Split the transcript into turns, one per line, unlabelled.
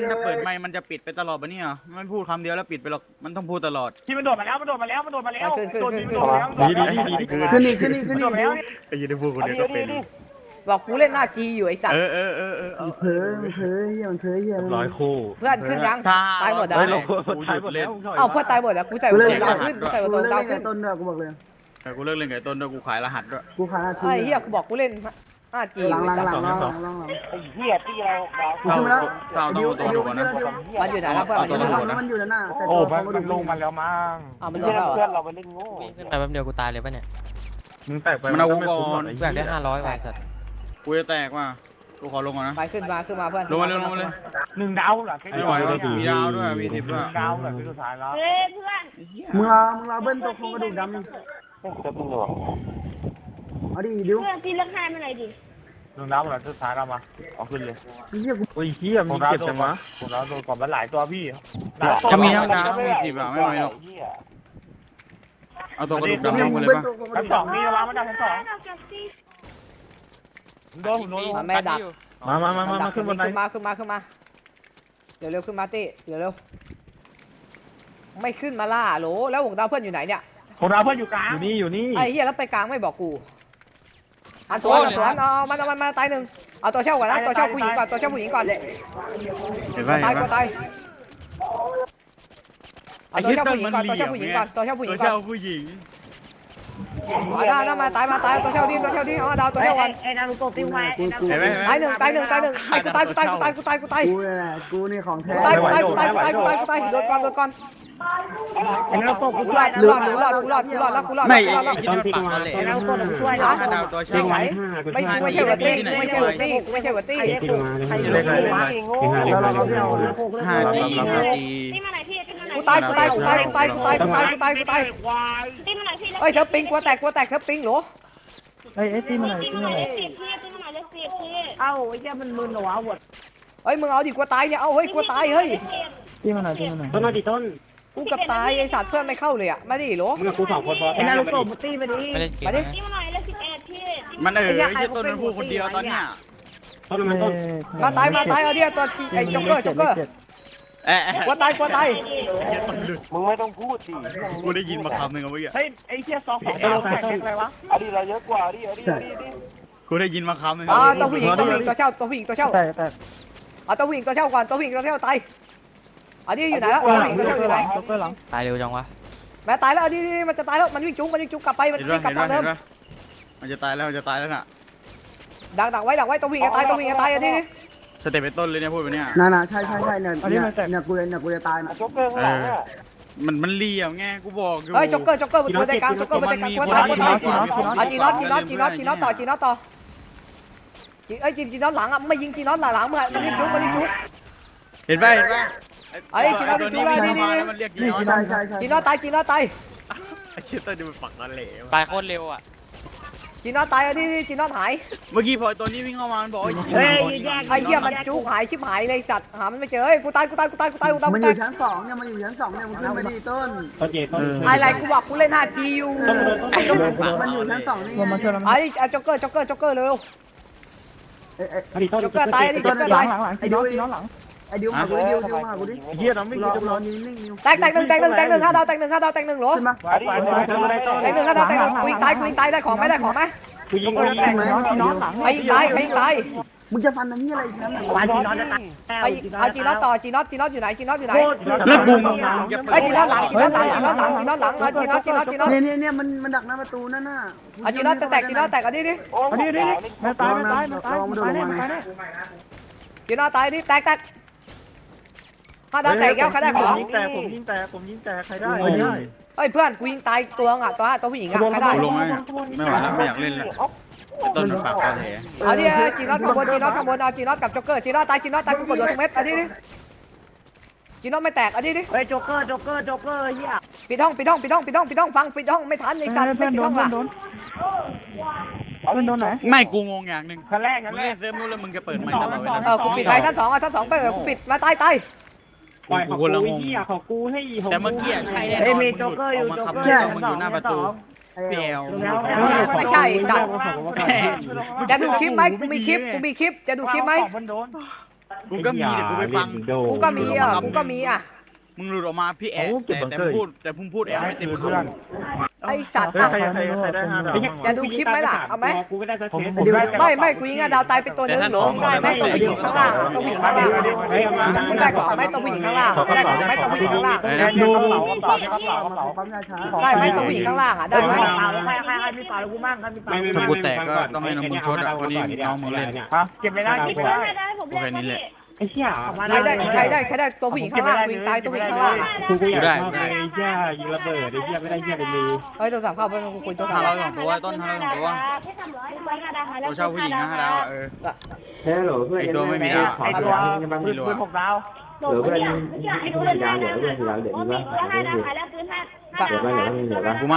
ถ้าเปิดไมค์มันจะปิดไปตลอดปะเนี่ยมันพูดคำเดียวแล้วปิดไปหรอกมันต้องพูดตลอด
ที่มันโดดมาแล้วมันโดดมาแล้ว
ขึ้น
แล้ว
ไอ้ยี่ได้พูดคนเดียวก็เป็น
บอกกูเล่นหน้าจีอยู่ไอ้สัตว์
เ
เพ้อเฮียมันเพ้อเฮีย
ร้อยคู่
เพื่อนขึ้นยังตายหมดแล้ว
กูหยุดเล่น
เอ้าเพื่อนตายหมดแล้วกูใจหัวตรงดาวขึ้นกูใจหัวตรงดาวขึ้น
ต้นด้วยกูบอกเลย
กูเลิกเล่นไก่ต้นด้วยกูขายรหัสด้วย
กูขาดที
ไอ้เหี้ยกูบอกกูเล่นหน้าจี
หลัง
ไอ้เหี้ยที่เรา
เราต้องตัวก่อนนะ
มันอยู่ไหนแล้วเพื่อน
มันอยู่นั่นน่ะแต่
โอ้
ตัว
มันลงมาแล้วมั้ง
มันโดนแล้ว
เพื่อนเราไปเล่นโง่
ขึ้นไปแป๊บเดียวกูตายเลยป่ะเนี่ย
มึงแตกไป
มันเอากูก่อน
กูอยากได้500ว่ะสัตว์
กูจะแตกว่ะกูขอลงก่อนนะ
ไปขึ้นมาเพื่อน
ลงมาเลย
1 ดาวเหรอ
ไม่ไหวแล้วมีดาวด้วยมี10ด้วย
ดาวเหรอที่สุดท้ายแล้ว
เฮ้ยเพื่อน
มึงรอเบิ้ลตัวโครงกระดูกดำเอาดิดิว
เพื่อนตีเลือกให้มาหน่อยดิ
1 ดาวเหรอสุดท้ายเรามาเอาขึ้นเลย
เฮียกู
โอ้ยเฮียมีเก็บจังวะ
ผมเราโดนก่อนมันหลายตัวพี่
ถ้ามีทั้งดาวมี10อ่ะไม่ไหวหรอกเอาตัวกระดูกดำลงมาเลยป่ะ
ชั้น 2มีวางมาจากชั้น 2โดนผมโดน
แม่ดัก
มาขึ้นบนไหน
ขึ้นมาเร็วขึ้นมาตี้เร็วไม่ขึ้นมาล่าโหลแล้ววงดาวเพื่อนอยู่ไหนเนี่ย
ผมเราเพื่อนอยู่กลาง
อยู่นี่
ไอ้เหี้ยแล้วไปกลางไม่บอกกูอันสวนเอามันตายหนึ่งเอาตัวเช่าก่อนนะตัวเช่าผู้หญิงก่อนตัวเช่าผู้หญิงก่อน
เห็นป่ะ
ตายก็ตายเอาตัวเช่าผู้หญิงก่อนตัวเช่าผู้หญิงก่อนตัวเช่าผู้หญิ
ตั
ง
ว
ก่อน
เช่าผู้หญิง
มาตายตัวเช่าดิเอาดาวตัวเช่าก่อน
ไอ้นารูโตะติ้วไว้
เห็นไหม
ตายหนึ่งไอ้กูตาย
กูนี่ของแท้
โดนก่อน
ไอ้นารูโตะกู
กู
ช่วย
รอดแล้วกูรอด
ไม่ไอ้ที่มันปักนั่นแหละ
ไอ้นารูโตะกูช่วย
ถ้า
นะ
ดาวตัวเช่า
ไม่ใช่วัตตี้ไม่ใช่วัตตี้
ใครเล่นเลยมาโง่
5D
ตีมาไหนพี่ตีมาไหน
กูตายตีมาไหนพี่
เลย
เฮ้ยเธอปิงกลัวแตกเธอปิงเหรอ
ตีมาไหนตีมาไหนเลยสิพี่เอ้าไอ้เจ้ามันมึนเหรอวะหวด
เฮ้ยมึงเอาดิกลัวตายเนี่ยเอาเฮ้ยกลัวตายเฮ้ย
ที่มันไหน
ต้นมาดิต้น
กูกับตายไอ้สัตว์เพื่อนไม่เข้าเลยอ่ะมาดิเหรอ
มึงกับกู2 คนพอ
ไอ้นารูโตะมาตีมาดิ
ไม่ได้เก็บ
มาดิ
นะ
ตีมาไหนเลย11พี่
มันไอ้ต้นมันพูดคนเดียวตอนเนี้ย
ต้นมันต้น
มาตายเอาเนี่ยตัวไอ้จ็อกเกอร์กลัวตาย
มึงไม่ต้องพูดสิ
กูได้ยินมาคำหนึ่งเมื่อกี้
เฮ้ยไอ้เหี้ย2 2เราแข่งอะไรวะอดีเราเยอะกว่าดิ
กูได้ยินมาคำหนึ่ง
ตัวผู้หญิงตัวเช่าตัวผู้หญิงตัวเช่าเอาตัวผู้หญิงตัวเช่าก่อนตัวผู้หญิงตัวเช่าตายอันนี้อยู่ไหนแล้วตัวผู้หญิงตัวเช่าอยู่ไหน
ตายเร็วจังวะ
แม่ตายแล้วอันนี้มันจะตายแล้วมันวิ่งจุ๊กกลับไปมัน
เห็น
วิ่งกลับทางเดิม
ป่ะมันจะตายแล้วน่ะ
ดักไว้ตัวผู้หญิงจะตายอันนี้
สเต็ปเป็นต้นเลยเนี่ยพูดไปเนี่ย
น่ะใช่เนี่ยกูจะตายนะ
โจ๊กเกอร์ข้างหลังอ่ะ
มันเลี่ยมไงกูบอกอยู่
เฮ้ยจ็อกเกอร์มันตัวใจกลางจ็อกเกอร์มันใจกลางกลัวตายจีน็อตต่อจีน็อตไอ้จีน็อตหลังอ่ะไม่ยิงจีน็อตหลังมึงมันรีบจุ๊ก
เห็นป่ะ
ไอ้จีน็อต
ตัวนี้
จุ๊
วิ่ง
ก
เข้ามาแล้วมันเรียกจีนอน
ใช่
จีน็อตตาย
ไอ้เชี่ยต้นดูมันปักนั่นแหละ
ตายโคตรเร็วอ่ะ
จีน็อตตายอันนี้จีน็อตหาย
เมื่อกี้พอตัวนี้วิ่งเข้ามามันบอก
ไอ้เหี้ยมันจุ๊กหายชิบหายเลยสัตว์หามันไม่เจอเฮ้ยกูตาย
มันอยู่ชั้น2เนี่ยมันอยู่ชั้น2เนี่ยมันขึ้นมาดีต้น
อะไรกูบอกกูเล่น 5G อยู่
มันอยู่ชั้น2นี่มาช่วยเรา
ไอ้จ็อกเกอร์เร็ว จ็อกเกอร์ตายจ็อกเกอร์ตาย
ไอ้ดิวหลังไอ้ดิวมากูดิ
เฮียน้ำไม่
รอนิ่งๆ
แตกหนึ่ง5 ดาวแตกหนึ่งเหรอ
ขึ้นมา
แตกหนึ่ง5 ดาวกูยิงตายได้ของไหม
กูยิง
น้องหลัง
ใครยิงตาย
มึงจะฟันอันนี้อะไรนั้น
วาจีนอนจะตาย
เอาจีน็อตต่อจีน็อตอยู่ไหน
แล้วกูงง
ไอ้จีน็อตหลังเอาจีน็อต
เนี่ยมันดักหน้าประตูนั่นน่ะ
เอาจีน็อตจะแตกอันนี้ดิ
มาตายมาโดนลงมา
จีน็อตตายดิแตก5 ดาวแตกแล้วใครได้ของ
ผมยิงแต่ใครได้
เฮ้ยเพื่อนกูยิงตายตัวอ่ะตัวผู้หญิงอ่ะใครได้
ลงไหมไม่ไหวแล้วไม่อยากเล่นแล้วต้นมันปากกันแหละ
เอาดิจีน็อตข้างบนเอาจีน็อตกับจ็อกเกอร์จีน็อตตายกูกดโดนทุกเม็ดอันนี้ดิจีน็อตไม่แตกอันนี้ดิ
เฮ้ยโจ๊กเกอร์เหี้ย
ปิดห้องฟังปิดห้องไม่ทันไอ้สัตว์ไม่ปิดห้องล่ะ
โดนไหน
ไม่กูงงอย่างหนึ่ง
ขั้นแรก
มึงเล่นเซิร์ฟนู้นแล้วมึงจะเปิดไมค์ตลอดเวลา
กูปิดไปชั้น2ไปกูปิดมาตาย
กูคนละงง
ของกูให้
แต่เมื่อกี้ใช่แน่นอนมึงหยุดออกมาคำนึงมึงอยู่หน้าประตูพี่แอล
ไม่ใช่สัตว์จะดูคลิปไหมกูมีคลิปจะดูคลิปไหม
กูก็มีเดี๋ยวกูไปฟัง
กูก็มีอ่ะ
มึงหลุดออกมาพี่แอะแต่มึงพูดแอะไม่เต็มคำ
ไอสัตว์
เฮ้ยใครได้5 ดาว
จะดูคลิปไหมล่ะเอาไหม
กูก็ได้สักเทส
ไม่กูยิงอะดาวตายเป็นตัวนึงได้ไหมตัวผู้หญิงข้างล่างตัวผู้หญิงข้างล่างมึงได้ก่อนไหมตัวผู้หญิงข้างล่างได้ก่อนไหมตัวผู้หญิงข้างล่าง
ดูปั๊มยาช้า
ได้ไหมตัวผู้หญิงข้างล่างอ่ะได้ไหม
ใครมีป่าแล้วกูมั่งใครมีป่า
ถ้ากูแตกก็ต้องให้น้องมึงชดอ่ะวันนี้น้องมึงเล่น
เก็บไม่ได้เก็บไม่ได้
โอเคนี่แหละ
ไอ้เหี้ย
ใครได้ตัวผู้หญิงข้างล่างยิงตายตัวผู้หญิงข้างล่าง
กูอยากได้ไอ้เหี้ยยิงระเบิดไอ้เหี้ยไม่ได้เหี้ยเลย
เฮ้ยตัวสามเข้าไปกูคุยตัวสาม
502ตัวต้น502ตัวตัวเช่าผู้หญิงนะ5 ดาวเออ
เฮ้ยโหลเพื่อน
ไอตัวไม่มีดาว
ไอตัวปืน6 ดาว
เหลือเพื่อน4 ดาวเหลือเพื่อน4 ดาวเหลือดีป่ะเหลือป่ะเหลือป่ะ